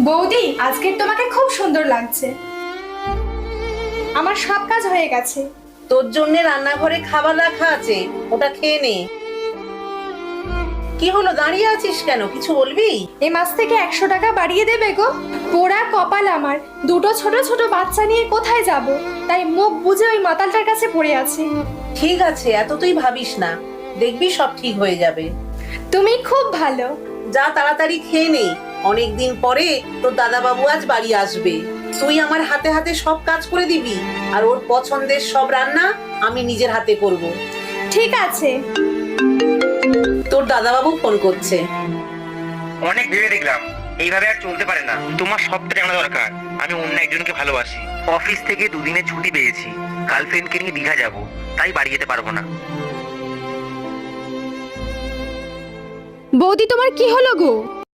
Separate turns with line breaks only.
বৌদি, আজকের তোমাকে খুব সুন্দর লাগছে। আমার সব কাজ হয়ে গেছে।
তোর জন্য রান্নাঘরে খাবার রাখা আছে, ওটা খেয়ে নে। কি হলো, দাঁড়িয়ে আছিস কেন? কিছু বলবি?
এ মাস থেকে 100 টাকা বাড়িয়ে দেবে গো। পোড়া কপাল আমার, দুটো ছোট ছোট বাচ্চা নিয়ে কোথায় যাব, তাই মুখ বুজে ওই মাতালটার কাছে পড়ে আছি।
ঠিক আছে, এত তুই ভাবিস না, দেখবি সব ঠিক হয়ে যাবে।
তুমি খুব ভালো।
যা তাড়াতাড়ি খেয়ে নে, অনেকদিন পরে তোর দাদা বাবু আজ বাড়ি আসবে। তুই আমার হাতে হাতে সব কাজ করে দিবি, আর ওর পছন্দের সব রান্না আমি নিজের হাতে করব।
ঠিক আছে।
তোর দাদা বাবু ফোন করছে।
অনেক ভেবে দেখলাম এইভাবে আর চলতে পারে না। তোমার সবটা জানা দরকার, আমি অন্য একজনকে ভালোবাসি। অফিস থেকে দুদিনের ছুটি পেয়েছি, গার্লফ্রেন্ডকে নিয়ে দীঘা যাব, তাই বাড়ি যেতে পারবো না।
বৌদি, তোমার কি হলো গো?